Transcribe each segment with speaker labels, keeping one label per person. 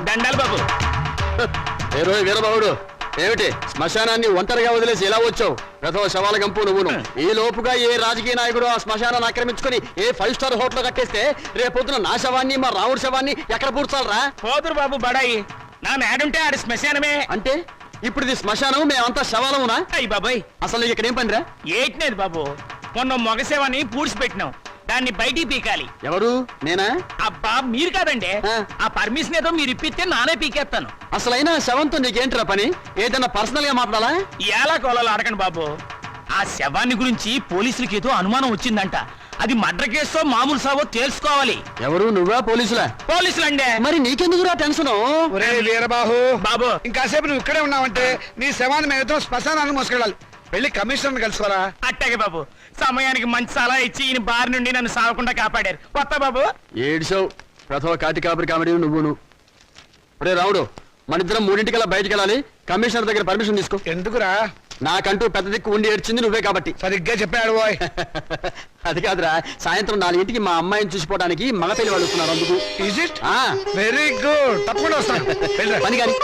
Speaker 1: దండాలు బాబు.
Speaker 2: వీరబాబుడు ఏమిటి శ్మశానాన్ని ఒంటరిగా వదిలేసి ఎలా వచ్చావు? ప్రథమ శవాల గంపు నువ్వును. ఈ లోపుగా ఏ రాజకీయ నాయకుడు ఆ శ్మశానాన్ని ఆక్రమించుకుని ఏ 5 స్టార్ హోటల్ కట్టేస్తే రేపొద్దున నా శవాన్ని మా రాముడి శవాన్ని ఎక్కడ పూడ్చాలరా?
Speaker 1: పోదురు బాబు బడాయి. నా మేడుంటే ఆడి శ్మశానమే.
Speaker 2: అంటే ఇప్పుడు ఇది శ్మశానం, మేమంతా శవాలమునా?
Speaker 1: అయ్యి బాబాయ్,
Speaker 2: అసలు నీకు ఇక్కడ ఏం పనిరా?
Speaker 1: ఏట్లేదు బాబు, మొన్న మొగసేవాన్ని పూడ్చిపెట్టినాం, దాన్ని బయటికి పీకాలి.
Speaker 2: ఎవరు? నేనా?
Speaker 1: అబ్బా మీరు కాదండి. ఆ పర్మిషన్ ఏదో మీరు ఇప్పిస్తే నానే పీకేస్తాను.
Speaker 2: అసలైనా శవంతో నీకేంట్రా పని? ఏదైనా పర్సనల్ గా మాట్లాడాలా?
Speaker 1: ఎలా కోలాలో అడగండి బాబు. ఆ శవాన్ని గురించి పోలీసులకి ఏదో అనుమానం వచ్చిందంట. అది మర్డర్ కేసో మామూలు సావో తెలుసుకోవాలి.
Speaker 2: ఎవరు? నువ్వా? పోలీసులా?
Speaker 1: పోలీసులండి.
Speaker 2: మరి నీకెందుకురా టెన్షన్?
Speaker 3: వీరబాహు
Speaker 1: బాబు,
Speaker 3: ఇంకాసేపు నువ్వు ఇక్కడే ఉన్నావంటే నీ శవాన్ని మేము శ్మశానాన్ని మోసుకెళ్ళాలి. వెళ్ళి కమిషనర్ కలుసుకోరా.
Speaker 1: అట్టాగే బాబు, సమయానికి మంచి సలహా ఇచ్చి ఈయన బారి నుండి నన్ను సాగకుండా కాపాడారు. కొత్త బాబు
Speaker 2: ఏడ్చావు. ప్రథమ కాటి కాపరి కామెడీ నువ్వును. రే రాముడు, మన ఇద్దరం 3:00కల్లా బయటికి వెళ్ళాలి. కమిషనర్ దగ్గర పర్మిషన్ తీసుకో.
Speaker 3: ఎందుకురా?
Speaker 2: నాకంటూ పెద్ద దిక్కు ఉండి ఏడ్చింది నువ్వే కాబట్టి.
Speaker 3: సరిగ్గా చెప్పాడు బాయ్.
Speaker 2: అది కాదురా, సాయంత్రం 4:00కి మా అమ్మాయిని చూసిపోవడానికి మగ పెళ్లి వాళ్ళు వస్తున్నారు. అందుకు
Speaker 3: ఈజ్ ఇట్? వెరీ గుడ్, తప్పకుండా వస్తాను.
Speaker 2: పని కానీ.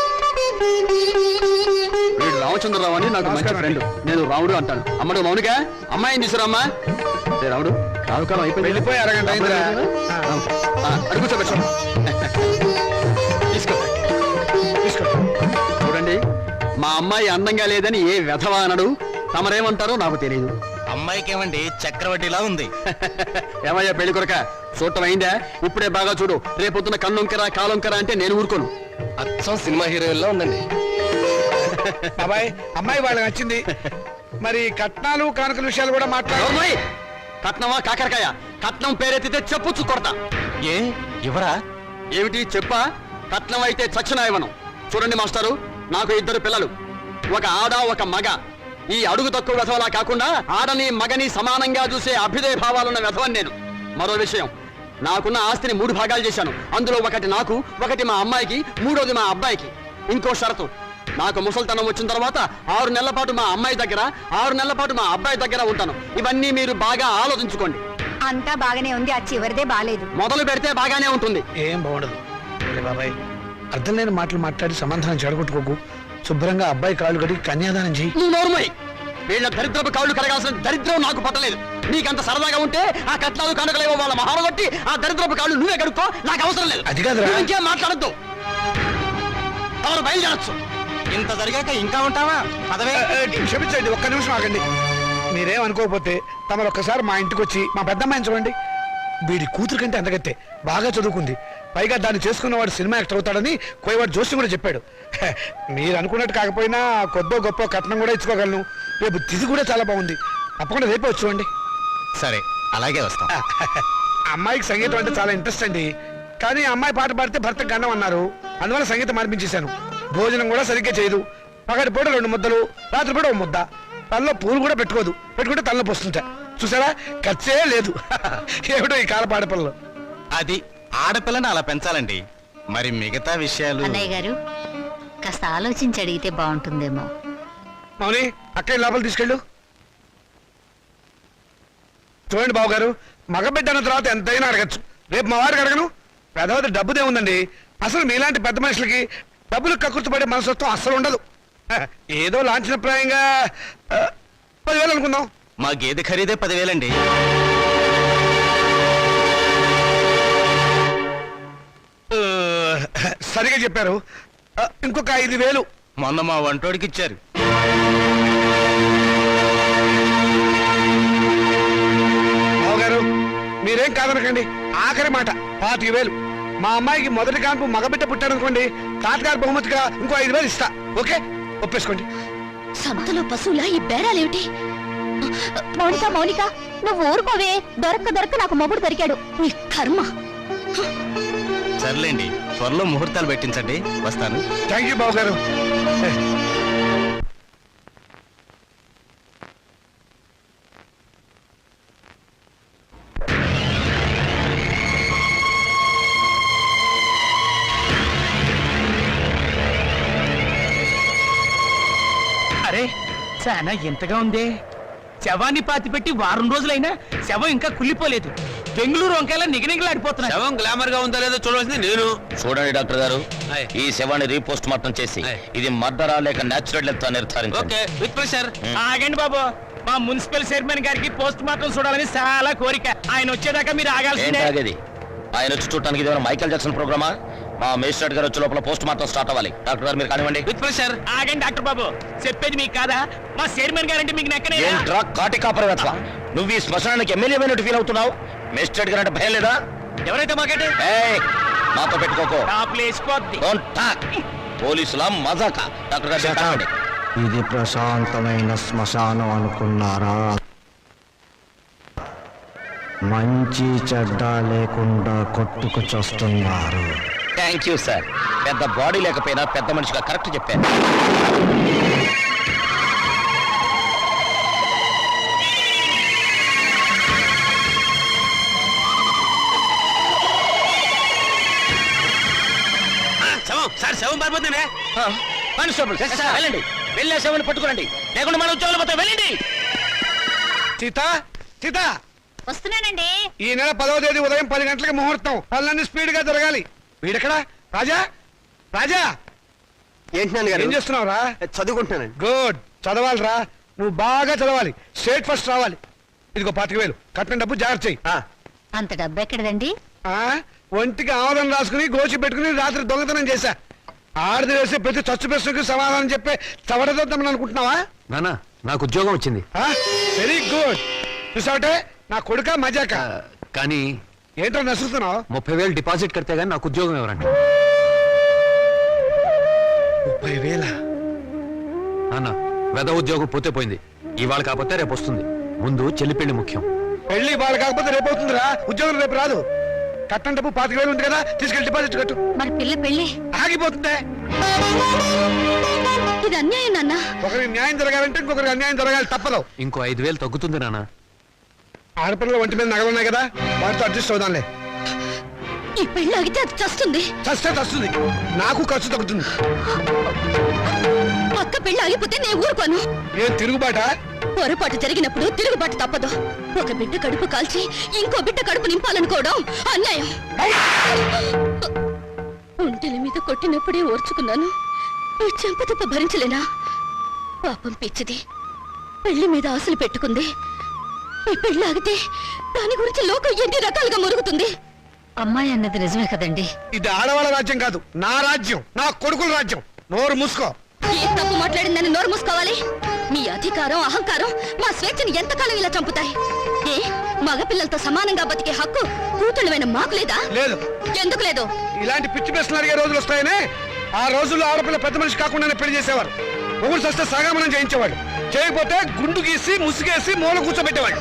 Speaker 2: వీడు రామచంద్రరావు అని నాకు మంచి ఫ్రెండ్. నేను రాముడు అంటాను. అమ్మడు మౌనిక, అమ్మాయిని తీసుకురామ్మా. రాముడు, రావుకాలం అయిపోయింది.
Speaker 3: వెళ్ళిపోయి అరగంట అయిందిరా.
Speaker 2: అడుగు కూర్చోబెట్టు. తీసుకో
Speaker 3: తీసుకో.
Speaker 2: చూడండి, మా అమ్మాయి అందంగా లేదని ఏ వెధవా అనడు. తమరేమంటారో నాకు తెలియదు.
Speaker 4: అమ్మాయికి ఏమండి చక్రవడ్డీలా ఉంది.
Speaker 2: ఏమయ్యా పెళ్లి కొరక, చూడటం అయిందా? ఇప్పుడే బాగా చూడు. రేపొద్దున కన్నుంకరా కాలొంకరా అంటే నేను ఊరుకోను.
Speaker 4: అచ్చం సినిమా హీరోయిన్లా ఉందండి.
Speaker 3: బాబాయ్, అమ్మాయి వాళ్ళకి నచ్చింది. మరి కట్నాలు కానుకల విషయాలు కూడా మాట్లాడు.
Speaker 2: కట్నమా కాకరకాయ? కట్నం పేరెత్తితే చెప్పుచ్చు కొడతా.
Speaker 4: ఏ ఇవరా?
Speaker 2: ఏమిటి చెప్పా? కట్నం అయితే చచ్చిన ఇవ్వను. చూడండి మాస్టారు, నాకు 2 పిల్లలు, ఒక ఆడ ఒక మగ. ఈ అడుగు తక్కువ వెధవలా కాకుండా ఆడని మగని సమానంగా చూసే అభ్యుదయ భావాలున్న వెధవని నేను. మరో విషయం, నాకున్న ఆస్తిని 3 భాగాలు చేశాను. అందులో ఒకటి నాకు, ఒకటి మా అమ్మాయికి, 3వది మా అబ్బాయికి. ఇంకో షరతు, నాకు ముసల్తనం వచ్చిన తర్వాత 6 నెలల పాటు మా అమ్మాయి దగ్గర, 6 నెలల పాటు మా అబ్బాయి దగ్గర ఉంటాను. ఇవన్నీ మీరు బాగా ఆలోచించుకోండి.
Speaker 5: అంతా బాగానే ఉంది, ఆ చివరిదే బాలేదు.
Speaker 2: మొదలు పెడితే బాగానే ఉంటుంది.
Speaker 3: ఏం బాగుండదు బాబాయ్. అర్థం లేని మాటలు మాట్లాడి సమాధానం చెడగొట్టుకోకు. శుభ్రంగా అబ్బాయి కాళ్ళు కడిగి కన్యాదానం చెయ్యి.
Speaker 2: నువ్వు నోరుమోయ్. వీళ్ళ దరిద్రపు కాళ్ళు కడగాల్సిన దరిద్రం నాకు పట్టలేదు. నీకంత సరదాగా ఉంటే ఆ కట్నాలు కానుకలేవో వాళ్ళ మహాలు కొట్టి ఆ దరిద్రపు కాళ్ళు నువ్వే కడుక్కో, నాకు అవసరం లేదు.
Speaker 3: అది కాదురా.
Speaker 2: నువ్వు ఇంకేం మాట్లాడద్దు. ఎవరు బయలుదేరచ్చు.
Speaker 4: ఇంత జరిగాక ఇంకా ఉంటావా? పదవే.
Speaker 3: క్షమించండి, ఒక్క నిమిషం ఆగండి. మీరేం అనుకోకపోతే తమరు ఒక్కసారి మా ఇంటికి వచ్చి మా పెద్దమ్మాయిని చూడండి. వీడి కూతురు కంటే అందగత్తే, బాగా చదువుకుంది. పైగా దాన్ని చేసుకున్నవాడు సినిమా యాక్టర్ అవుతాడని కోయవాడు జోషి కూడా చెప్పాడు. మీరు అనుకున్నట్టు కాకపోయినా కొద్దో గొప్ప కట్నం కూడా ఇచ్చుకోగలను. రేపు తిథి కూడా చాలా బాగుంది. తప్పకుండా రేపే వచ్చి చూడండి.
Speaker 4: సరే, అలాగే వస్తాం.
Speaker 3: అమ్మాయికి సంగీతం అంటే చాలా ఇంట్రెస్ట్ అండి. కానీ అమ్మాయి పాట పాడితే భర్తకు గండం అన్నారు. అందువల్ల సంగీతం మార్పించేశాను. భోజనం కూడా సరిగ్గా చేయదు. పగటి పూట 2 ముద్దలు, రాత్రి పూట 1 ముద్ద. తనలో పూలు కూడా పెట్టుకోదు. పెట్టుకుంటే తనలో పోస్తుంటా. చూసారా, ఖర్చే లేదు. ఏమిటో ఈ కాల పాడపిల్లలు.
Speaker 4: అది ఆడపిల్లని అలా పెంచాలండి. మరి మిగతా విషయాలు
Speaker 5: అన్నయ్య గారు కాస్త ఆలోచించి అడిగితే బాగుంటుందేమో.
Speaker 3: మౌని, అక్కయ్య లోపల తీసుకెళ్ళు. చూడండి బాబు గారు, మగబిడ్డ అన్న తర్వాత ఎంతైనా అడగచ్చు. రేపు మా వారికి అడగను. పెద్దవది డబ్బుదే ఉందండి. అసలు మీలాంటి పెద్ద మనుషులకి డబ్బులు కక్కుర్తిపడే మనసత్వం అస్సలు ఉండదు. ఏదో లాంఛనప్రాయంగా 10,000 అనుకుందాం.
Speaker 4: మా గేదె ఖరీదే 10,000 అండి.
Speaker 3: సరిగా చెప్పారు. ఇంకొక 5,000
Speaker 4: మొన్న మా వంటోడికి ఇచ్చారు.
Speaker 3: బావగారు, మీరేం కాదనకండి. ఆఖరి మాట 25,000. మా అమ్మాయికి మొదటి కాన్పు మగబిడ్డ పుట్టారనుకోండి, తాతగారు బహుమతిగా ఇంకో 5,000 ఇస్తా. ఓకే, ఒప్పేసుకోండి.
Speaker 5: సంతలో పశువులా ఈ బేరాలేమిటి? మౌనిక మౌనిక, నువ్వు ఊరుకోవే. దొరక్క నాకు మొగుడు దొరికాడు. నీ కర్మ.
Speaker 4: సర్లేండి, త్వరలో ముహూర్తాలు పెట్టించండి. వస్తాను.
Speaker 3: థ్యాంక్ యూ బావగారు.
Speaker 1: అరే, చాలా ఎంతగా ఉంది. శవాన్ని పాతి పెట్టి వారం రోజులైనా శవం ఇంకా కుళ్ళిపోలేదు. బెంగళూరు వంకాయలా నిగనిగలాడిపోతున్నా.
Speaker 6: శవం గ్లామర్ గా ఉందో లేదో చూడవలసింది నేను.
Speaker 7: చూడండి డాక్టర్ గారు,
Speaker 6: ఆయ్.
Speaker 7: ఈ శవాన్ని రీపోస్ట్ మార్టం చేసి
Speaker 6: ఆయ్.
Speaker 7: ఇది మర్డరా లేక నేచురల్ డెత్ నిర్ధారించండి.
Speaker 6: Okay with pressure.
Speaker 1: ఆగండి బాబు, మా మున్సిపల్ చైర్మన్ గారికి పోస్ట్ మార్టం చూడాలని చాలా కోరిక. ఆయన వచ్చేదాకా మీరు
Speaker 7: ఏంటి
Speaker 1: ఆగాల్సిందే.
Speaker 7: ఆగేది? ఆయన వచ్చి చూడటానికి ఇది మైకేల్ జాక్సన్ ప్రోగ్రామా? మా మేజిస్ట్రేట్ గారు వచ్చే లోపల పోస్ట్ మార్టం స్టార్ట్ అవ్వాలి. డాక్టర్ గారు మీరు కానివ్వండి.
Speaker 6: With pressure.
Speaker 1: ఆగండి డాక్టర్ బాబు, చెప్పేది మీకు కాదా? మా చైర్మన్ గారంటే మీకు నెక్కనే.
Speaker 7: ఏంట్రా కాటి కాపరవేత్వ, నువ్వు ఈ శ్మశానానికి ఎమ్మెల్యే అయినట్టు ఫీల్ అవుతున్నావు? మేజిస్ట్రేట్ గారు అంటే భయం లేదా?
Speaker 1: ఎవరైతే మాకంటే
Speaker 7: ఏయ్, మాతో పెట్టుకోకో.
Speaker 1: టాప్లు వేసిపోద్ది.
Speaker 7: Don't talk. పోలీసుల మజాక. డాక్టర్ గారు మీరు కానివ్వండి.
Speaker 8: ఇది ప్రశాంతమైన శ్మశానం అనుకున్నారా? మంచి చెడ్డ లేకుండా కొట్టుకు చస్తున్నారు.
Speaker 7: Thank you sir. పెద్ద బాడీ లేకపోయినా పెద్ద మనిషిగా కరెక్ట్ చెప్పారు.
Speaker 6: శవం సార్, శవం పారిపోతుందే.
Speaker 7: కానిస్టేబుల్ వెళ్ళండి, వెళ్ళే శవాన్ని పట్టుకోండి, లేకుండా మన ఉద్యోగాలు పోతే వెళ్ళండి.
Speaker 3: సీత, సీత,
Speaker 5: వస్తున్నానండి.
Speaker 3: ఈ నెల 10వ తేదీ ఉదయం 10 గంటలకి ముహూర్తం. పనులన్నీ స్పీడ్ గా జరగాలి. వీడెక్కడా? రాజా, రాజా,
Speaker 2: ఏంటి నాన్నగారు?
Speaker 3: ఏం చేస్తున్నావురా?
Speaker 2: చదువుకుంటున్నానండి.
Speaker 3: గుడ్, చదవాలిరా. నువ్వు బాగా చదవాలి, స్టేట్ ఫస్ట్ రావాలి. ఇదిగో 25,000 కట్టిన డబ్బు జాగ్రత్త చెయ్యి.
Speaker 5: అంత డబ్బు ఎక్కడదండి?
Speaker 3: ఆ, ఒంటికి ఆవదం రాసుకుని గోచి పెట్టుకుని రాత్రి దొంగతనం చేశా. ఆడది వేసే ప్రతి చచ్చు ప్రశ్నకు సమాధానం చెప్పే చవడదొద్దామని అనుకుంటున్నావా?
Speaker 6: నాన్న నాకు ఉద్యోగం వచ్చింది.
Speaker 3: Very good. చూసావటే, నా కొడుక మజాక.
Speaker 6: కానీ
Speaker 3: ఏంటో నసులుతున్నావు?
Speaker 6: 30,000 డిపాజిట్ కడితే గానీ నాకు ఉద్యోగం ఎవరండి?
Speaker 3: 30,000?
Speaker 6: నాన్న వెద ఉద్యోగం పోతే పోయింది, ఇవాళ కాకపోతే రేపు వస్తుంది. ముందు చెల్లి పెళ్లి ముఖ్యం.
Speaker 3: పెళ్లి వాళ్ళు కాకపోతే రేపు అవుతుందిరా. ఉద్యోగం రేపు రాదు. కట్టం డబ్బు 25,000 ఉంది కదా, తీసుకెళ్లి డిపాజిట్ కట్టు.
Speaker 5: మరి పిల్ల పెళ్ళి
Speaker 3: ఆగిపోతుందే.
Speaker 5: ఇది అన్యాయం నాన్న.
Speaker 3: ఒకరికి న్యాయం జరగాలంటే ఇంకొకరికి అన్యాయం జరగాలి, తప్పదు.
Speaker 6: ఇంకో 5,000 తగ్గుతుంది నాన్న.
Speaker 3: ఆడపిల్లల ఒంటి మీద నగలున్నాయి కదా, వాటితో అడ్జస్ట్ అవుదాంలే.
Speaker 5: ఈ పెళ్ళి ఆగితే అది చస్తుంది.
Speaker 3: చస్తే చస్తుంది, నాకు ఖర్చు తగ్గుతుంది.
Speaker 5: అక్క పెళ్ళి ఆగిపోతే నేను ఊరుకోను.
Speaker 3: ఏం తిరుగుబాట?
Speaker 5: పొరపాటు జరిగినప్పుడు తిరుగుబాటు తప్పదు. ఒక బిడ్డ కడుపు కాల్చి ఇంకో బిడ్డ కడుపు నింపాలనుకోవడం అన్యాయం. ఒంటెల మీద కొట్టినప్పుడే ఓర్చుకున్నాను, ఈ చెంపదెబ్బ భరించలేనా? పాపం పిచ్చిది, పెళ్లి మీద ఆశలు పెట్టుకుంది. ఈ పెళ్లి ఆగితే దాని గురించి లోకం ఎన్ని రకాలుగా మురుగుతుంది. అమ్మాయి అన్నది నిజమే కదండి.
Speaker 3: ఇది ఆడవాళ్ళ రాజ్యం కాదు, నా రాజ్యం, నా కొడుకుల రాజ్యం. నోరు మూసుకో.
Speaker 5: ఏ తప్పు మాట్లాడిందని నోరు మూసుకోవాలి? మీ అధికారం అహంకారం మా స్వేచ్ఛని ఎంతకాలం ఇలా చంపుతాయి? ఏ మగపిల్లలతో సమానంగా బతికే హక్కు కూతుళ్ళమైన మాకు లేదా?
Speaker 3: లేదు.
Speaker 5: ఎందుకు లేదు?
Speaker 3: ఇలాంటి పిచ్చి ప్రశ్నలు అడిగే రోజులు వస్తాయనే ఆ రోజుల్లో ఆడపిల్ల పెద్ద మనిషి కాకుండానే పెళ్లి చేసేవారు. మొగుడు సస్తే సగామనం చేయించేవాడు, చేయకపోతే గుండు గీసి ముసుగేసి మూల కూర్చోబెట్టేవాడు.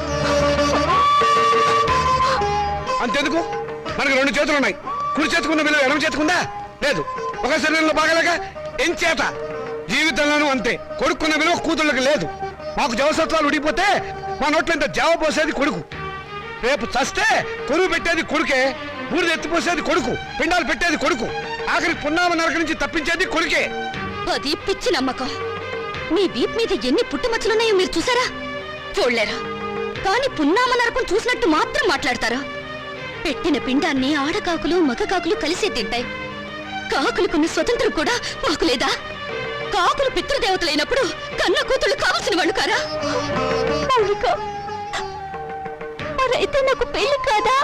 Speaker 3: అంతెందుకు, మనకి 2 చేతులు ఉన్నాయి. కుడి చేతుకున్న విలువ ఎడమ చేతుకుందా? లేదు. ఒక శరీరంలో బాగలేక ఎంచేత జీవితంలోనూ అంతే. కొడుకున్న విలువ కూతుళ్ళకి లేదు. మాకు జవసత్వాలు ఉడిపోతే మా నోట్లో ఇంత జావ పోసేది కొడుకు. రేపు చస్తే కొరువు పెట్టేది కొడుకే, బూడిద ఎత్తిపోసేది కొడుకు, పిండాలు పెట్టేది కొడుకు, ఆఖరి పున్నామ నరక నుంచి తప్పించేది కొడుకే.
Speaker 5: అది పిచ్చి నమ్మకం. మీ వీప్ మీద ఎన్ని పుట్టుమచ్చలున్నాయో మీరు చూసారా? చూడలేరా? కానీ పున్నామ నరకం చూసినట్టు మాత్రం మాట్లాడతారా? పెట్టిన పిండాన్ని ఆడకాకులు మగ కాకులు కలిసే తింటాయి. కాకులకున్న స్వతంత్రం కూడా మాకు లేదా? కాకులు పితృదేవతలైనప్పుడు కన్న కూతుళ్ళు కావలసిన వాళ్ళు కారా? మరైతే నాకు పెళ్లి కాదా?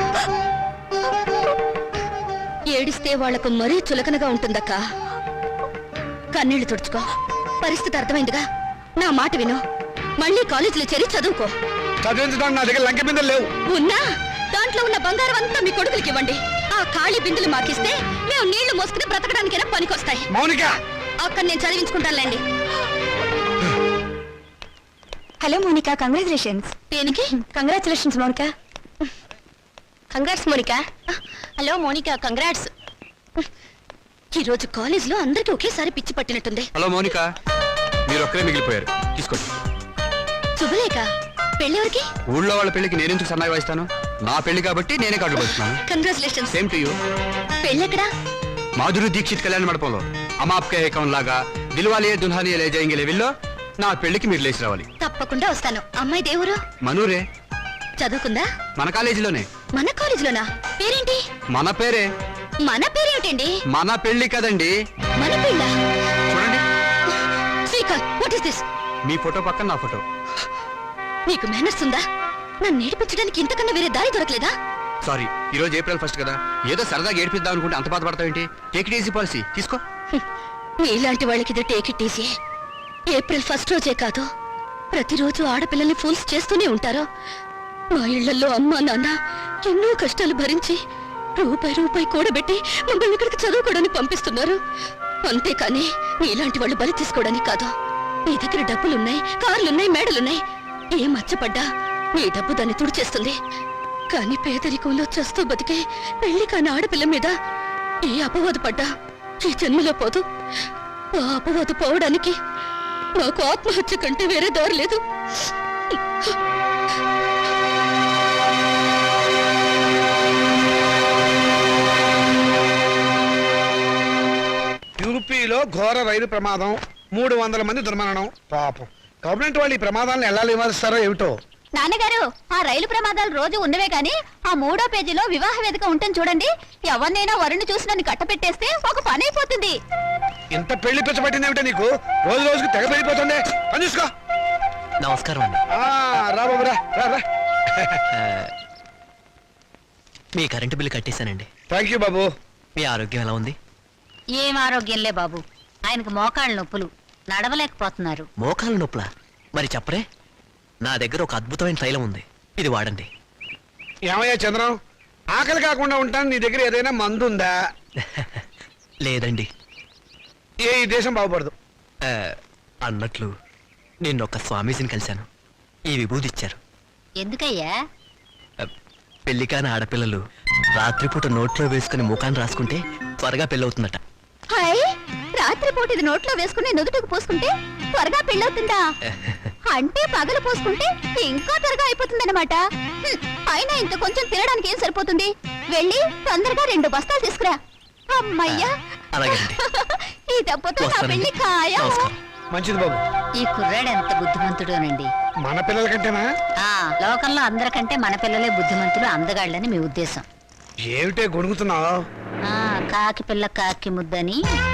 Speaker 5: ఏడిస్తే వాళ్లకు మరీ చులకనగా ఉంటుందక్క. కన్నీళ్లు తుడుచుకో. పరిస్థితి అర్థమైందిగా. నా మాట విను, మళ్ళీ కాలేజీలో చేరి చదువుకో.
Speaker 3: చదివించడానికి నా దగ్గర లంకె బిందెలు లేవు.
Speaker 5: ఉన్నా దాంట్లో ఉన్న బంగారం అంతా మీ కొడుకులకి ఇవ్వండి. ఆ ఖాళీ బిందులు మాకిస్తే మేము నీళ్లు మోసుకుని బ్రతకడానికైనా పనికొస్తాయి.
Speaker 3: మౌనిక,
Speaker 5: అక్కడ నేను చదివించుకుంటానులేండి.
Speaker 9: Hello Monica, congratulations.
Speaker 5: దేనికి?
Speaker 9: Congratulations Monica.
Speaker 5: Congrats Monica. Hello Monica, congrats. ఈ రోజు కాలేజీలో అందరికీ ఒకేసారి పిచ్చి పట్టినట్టుంది.
Speaker 6: హలో మౌనిక, మీరు ఒక్కరే మిగిలిపోయారు, తీసుకోండి.
Speaker 5: శుభలేఖ, పెళ్ళెవరికి?
Speaker 6: ఊళ్ళో వాళ్ళ పెళ్లికి నేనెందుకు సన్నాయి వాయిస్తాను? నా పెళ్లి కాబట్టి నేనే కార్డులు పంచుతున్నాను.
Speaker 5: కంగ్రాచులేషన్స్.
Speaker 6: Same to you.
Speaker 5: పెళ్ళెక్కడా?
Speaker 6: మాధురి దీక్షిత్ కళ్యాణ మండపంలో అమాప్కే ఏకం లాగా దిల్వాలియే దుల్హానియే లే జాయేంగే లెవెల్లో నా పెళ్లికి మీరు లేచి రావాలి.
Speaker 5: తప్పకుండా వస్తాను. అమ్మాయి దేవురు
Speaker 2: మనూరే,
Speaker 5: చదువుకుందా?
Speaker 2: మన కాలేజీలోనే.
Speaker 5: మన కాలేజీలోనా? పేరేంటి?
Speaker 2: మన పేరే.
Speaker 5: మన పేరేమిటండి?
Speaker 2: మన పెళ్లి కదండి.
Speaker 5: మన పెళ్ళ?
Speaker 2: చూడండి,
Speaker 5: శ్రీకాంత్, వాట్ ఇస్ దిస్?
Speaker 2: మీ ఫోటో పక్కన నా ఫోటో.
Speaker 5: నీకు మేనర్స్ ఉందా? నన్ను నేర్పించడానికి ఇంతకన్నా వేరే దారి దొరకలేదా?
Speaker 2: సారీ, ఈ రోజు ఏప్రిల్ 1 కదా, ఏదో సరదాగా ఏడిపిద్దాం అనుకుంటే అంత బాధపడతావేంటి? టేక్ ఇట్ ఈజీ పాలసీ, తీసుకో.
Speaker 5: నీలాంటి వాళ్ళకి ఇది టేక్ ఇట్ ఈజీ. ఏప్రిల్ 1 రోజే కాదు, ప్రతిరోజు ఆడపిల్లల్ని ఫూల్స్ చేస్తూనే ఉంటారు. మా ఇళ్లలో అమ్మా నాన్న ఎన్నో కష్టాలు భరించి రూపాయి కూడబెట్టి మమ్మల్ని ఇక్కడికి చదువుకోవడానికి పంపిస్తున్నారు. అంతేకాని నీలాంటి వాళ్ళు బలి తీసుకోవడానికి కాదు. నీ దగ్గర డబ్బులున్నాయి, కార్లున్నాయి, మేడలున్నాయి. ఏ మచ్చపడ్డా నీ డబ్బు దాన్ని తుడిచేస్తుంది. కానీ పేదరికంలో చస్తూ బతికే పెళ్లి కాని ఆడపిల్ల మీద ఏ అపవాదు పడ్డా ఈ జన్మలో పోదు. ఆ అపవాదు పోవడానికి నాకు ఆత్మహత్య కంటే వేరే దారి లేదు.
Speaker 3: యూపీలో ఘోర రైలు ప్రమాదం, 300 మంది దుర్మరణం. పాపం గవర్నమెంట్ వాళ్ళు ఈ ప్రమాదాలను ఎలా నివారిస్తారో ఏమిటో.
Speaker 9: నాన్నగారు, ఆ రైలు ప్రమాదాలు రోజు ఉన్నవే గాని ఆ 3వ పేజీలో వివాహ వేదిక ఉంటుంది చూడండి. ఎవరినైనా వరుణ్ణి చూసి నన్ను కట్టపెట్టేస్తే ఒక పని అయిపోతుంది.
Speaker 3: ఇంత పెళ్లి పిచ్చబట్టింది ఏమిటో నీకు? రోజు రోజుకి తెగ పెరిగిపోతుంది. పని చూసుకో.
Speaker 10: నమస్కారం అండి.
Speaker 3: రా బాబు, రా రా రా.
Speaker 10: మీ కరెంటు బిల్లు కట్టేశానండి.
Speaker 3: థ్యాంక్ యూ బాబు.
Speaker 10: మీ ఆరోగ్యం ఎలా ఉంది?
Speaker 9: ఏం ఆరోగ్యంలే బాబు, ఆయనకు మోకాళ్ళ నొప్పులు, నడవలేకపోతున్నారు.
Speaker 10: మోకాలు నొప్పులా? మరి చెప్పరే, నా దగ్గర ఒక అద్భుతమైన తైలం ఉంది, ఇది వాడండి.
Speaker 3: ఏమయ్యా చంద్రం, ఆకలి కాకుండా ఉంటాను, నీ దగ్గర ఏదైనా మందు ఉందా?
Speaker 10: లేదండి.
Speaker 3: ఈ దేశం బాగుపడదు.
Speaker 10: అన్నట్లు నిన్న ఒక స్వామీజీని కలిశాను. ఈ విభూది ఇచ్చారు.
Speaker 9: ఎందుకయ్యా?
Speaker 10: పెళ్లి కాని ఆడపిల్లలు రాత్రిపూట నోట్లో వేసుకుని ముఖాన్ని రాసుకుంటే త్వరగా పెళ్ళవుతుందట.
Speaker 9: హాయ్, రాత్రిపూట ఇది నోట్లో వేసుకుని నుదుటికి పోసుకుంటే త్వరగా పెళ్ళవుతుందా? అంటే పగలు పోసుకుంటే ఇంకా త్వరగా అయిపోతుందన్నమాట. అయినా ఇంత కొంచెం తినడానికి ఏం సరిపోతుంది? వెళ్ళి తొందరగా 2 బస్తాలు తీసుకురా. అమ్మయ్యా,
Speaker 10: అలాగేనండి.
Speaker 9: ఈ దెబ్బతో నా
Speaker 10: వస్తానండి.
Speaker 9: పెళ్లి ఖాయం.
Speaker 10: నమస్కారం.
Speaker 3: మంచిది బాబు.
Speaker 9: ఈ కుర్రాడు ఎంత బుద్ధిమంతుడోనండి.
Speaker 3: మన పిల్లల కంటేనా?
Speaker 9: లోకంలో అందరికంటే మన పిల్లలే బుద్ధిమంతులు, అందగాళ్ళని మీ ఉద్దేశం.
Speaker 3: ఏమిటే గొడుగుతున్నావు?
Speaker 9: కాకి పిల్ల కాకి ముద్దని.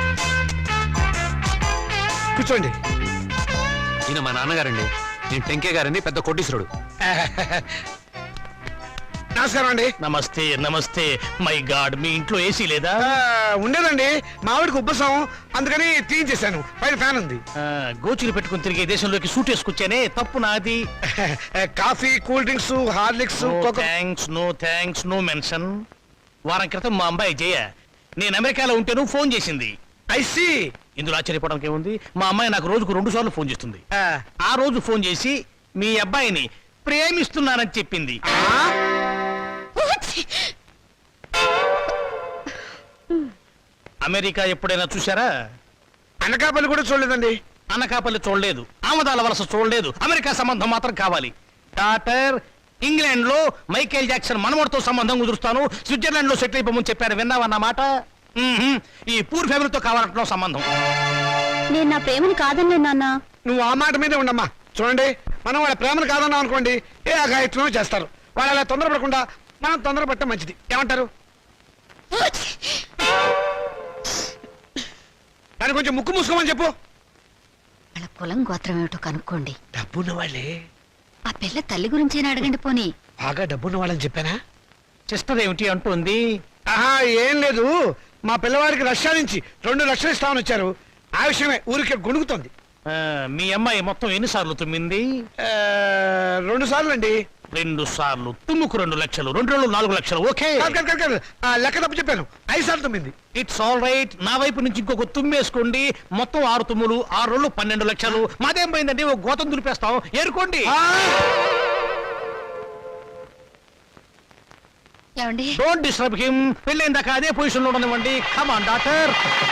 Speaker 3: కూర్చోండి.
Speaker 6: ఈయన మా నాన్నగారండి. నేను టెంకే గారని పెద్ద కోటీశ్వరుడు.
Speaker 3: నమస్కారం అండి.
Speaker 1: నమస్తే నమస్తే. మై గాడ్, మీ ఇంట్లో ఏసీ లేదా?
Speaker 3: ఉండేదండి, మావిడికి ఉబ్బసం, అందుకని తీయించేశాను. పైన ఫ్యాన్ ఉంది.
Speaker 1: గోచులు పెట్టుకుని తిరిగే దేశంలోకి సూట్ వేసుకొచ్చానే, తప్పు నాది.
Speaker 3: Coffee, cool drinks, Horlicks,
Speaker 1: no thanks, no mention. వారం క్రితం మా అమ్మాయి జయ నేను అమెరికాలో ఉంటేను ఫోన్ చేసింది.
Speaker 3: ఐసి.
Speaker 1: ఇందులో ఆశ్చర్యపోవడానికి ఏముంది? మా అమ్మాయి నాకు రోజుకు 2 సార్లు ఫోన్ చేస్తుంది. ఆ రోజు ఫోన్ చేసి మీ అబ్బాయిని ప్రేమిస్తున్నానని చెప్పింది. అమెరికా ఎప్పుడైనా చూసారా?
Speaker 3: అనకాపల్లి కూడా చూడలేదండి.
Speaker 1: అనకాపల్లి చూడలేదు, ఆమదాల వలస చూడలేదు, అమెరికా సంబంధం మాత్రం కావాలి. డాక్టర్, ఇంగ్లాండ్ లో మైకేల్ జాక్సన్ మనవడితో సంబంధం కుదురుస్తాను, స్విట్జర్లాండ్ లో సెటిల్ అయిపోమని చెప్పారు. విన్నావన్నమాట. ఈ పూర్ ఫ్యామిలీతో కావాలంటున్నావు సంబంధం.
Speaker 9: నేను నా ప్రేమను కాదన్నే నాన్న.
Speaker 3: నువ్వు ఆ మాట మీదే ఉండమ్మా. చూడండి, మనం వాళ్ళ ప్రేమను కాదన్నాం అనుకోండి, ఏ అఘాయిత్వం చేస్తారు. వాళ్ళు అలా తొందరపడకుండా మనం తొందరపడటం మంచిది. ఏమంటారు? దాన్ని కొంచెం ముక్కు మూసుకోమని చెప్పు.
Speaker 9: వాళ్ళ కులం గోత్రం ఏమిటో కనుక్కోండి.
Speaker 3: డబ్బున్న వాళ్ళే.
Speaker 9: ఆ పిల్ల తల్లి గురించేనా అడగండి పోనీ.
Speaker 3: బాగా డబ్బున్న వాళ్ళని చెప్పానా?
Speaker 1: సిస్టర్ ఏమిటి అంటుంది?
Speaker 3: ఆహా, ఏం లేదు. మా పిల్లవాడికి రష్యా నుంచి 2 లక్షలు ఇస్తామని వచ్చారు. ఆ విషయమే ఊరికే గొణుగుతోంది.
Speaker 1: మీ అమ్మాయి మొత్తం ఎన్నిసార్లు తుమ్మింది?
Speaker 3: 2 సార్లు అండి.
Speaker 1: 2 సార్లు తుమ్ముకు 2 లక్షలు, 2 రోజులు 4 లక్షలు. ఓకే,
Speaker 3: కాదు, లెక్క తప్పు చెప్పాను. 5 సార్లు తుమ్మింది.
Speaker 1: It's all right. నా వైపు నుంచి ఇంకొక తుమ్మేసుకోండి. మొత్తం 6 తుమ్ములు, 6 రోజులు 12 లక్షలు. మాదేం పోయిందండి, ఒక గోతం దులిపేస్తాం. ఏరుకోండి.
Speaker 9: ఏమండి?
Speaker 1: Don't disturb him. పెళ్ళైందాకా అదే పొజిషన్ లో ఉండనివ్వండి. Come on doctor.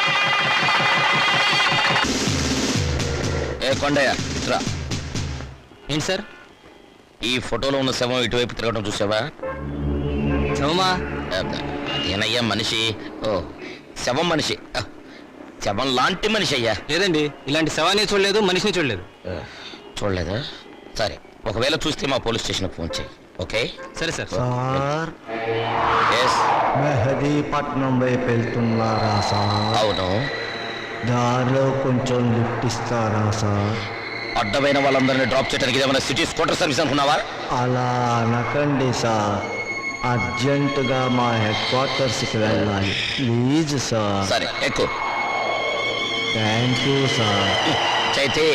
Speaker 7: ఏ కొండయ్య, రా.
Speaker 10: ఏంటి సార్?
Speaker 7: ఈ ఫోటోలో ఉన్న శవం ఇటువైపు తిరగడం చూసావా?
Speaker 10: శవమా?
Speaker 7: అదేనయ్యా మనిషి. ఓ, శవం మనిషి. శవం లాంటి మనిషి అయ్యా.
Speaker 10: లేదండి, ఇలాంటి శవాన్ని చూడలేదు, మనిషిని చూడలేదు.
Speaker 7: చూడలేదా? సరే, ఒకవేళ చూస్తే మా పోలీస్ స్టేషన్కి ఫోన్ చేయి. ఓకే?
Speaker 6: సరే సార్.
Speaker 8: Sir
Speaker 7: yes.
Speaker 8: మెహదీపట్నం వైపు వెళ్తున్నారా సార్?
Speaker 7: అవును.
Speaker 8: దారిలో కొంచెం లిఫ్ట్ ఇస్తారా సార్?
Speaker 7: అడ్డమైన వాళ్ళందరినీ డ్రాప్ చేయడానికి ఏమైనా సిటీ స్కూటర్ సర్వీస్ అనుకున్నావా?
Speaker 8: అలా అనకండి సార్, అర్జెంటుగా మా హెడ్ క్వార్టర్స్కి వెళ్ళాలి ప్లీజ్ సార్.
Speaker 7: సరే ఎక్కువ.
Speaker 8: Thank you sir.
Speaker 7: చైతే.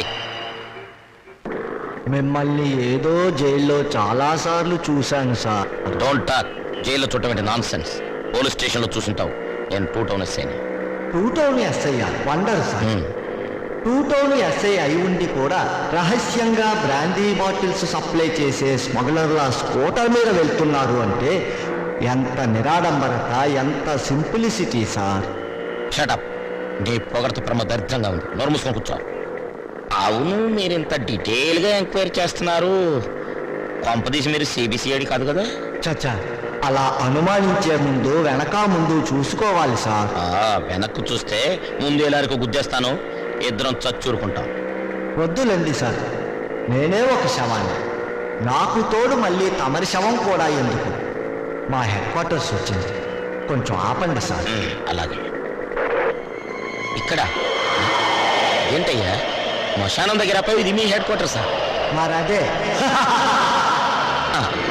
Speaker 8: మిమ్మల్ని ఏదో జైల్లో చాలాసార్లు చూశాను సార్.
Speaker 7: Don't talk. జైల్లో చూడటం నాన్ సెన్స్. పోలీస్ స్టేషన్లో చూసుంటావు. నేను 2 టౌన్ ఎస్ఐని.
Speaker 8: 2 town SI wonder sir. 2 town SI అయి ఉండి కూడా రహస్యంగా బ్రాందీ బాటిల్స్ సప్లై చేసే స్మగ్లర్ల స్కూటర్ మీద వెళ్తున్నారు అంటే ఎంత నిరాడంబరత, ఎంత సింప్లిసిటీ సార్.
Speaker 7: షటప్. నీ పొగడత ప్రమ దరిద్రంగా ఉంది. నోరు మూసుకొని కూర్చో. అవును, మీరు ఇంత డీటెయిల్గా ఎంక్వైరీ చేస్తున్నారు. కొంపదీసి మీరు సిబిసిఐడి కాదు కదా?
Speaker 8: చచ్చా, అలా అనుమానించే ముందు వెనక ముందు చూసుకోవాలి సార్.
Speaker 7: వెనక్కు చూస్తే ముందు ఎలారికి గుద్దేస్తాను. ఇద్దరం చచ్చూరుకుంటాం.
Speaker 8: వద్దులండి సార్, నేనే ఒక శవాన్ని. నాకు తోడు మళ్ళీ తమరి శవం కూడా ఎందుకు? మా హెడ్ క్వార్టర్స్ వచ్చింది, కొంచెం ఆపండి సార్.
Speaker 7: అలాగే. ఇక్కడ ఏంటయ్యా శ్మశానం దగ్గర ఇది మీ హెడ్ క్వార్టర్సా?
Speaker 8: మరదే
Speaker 7: ఆ,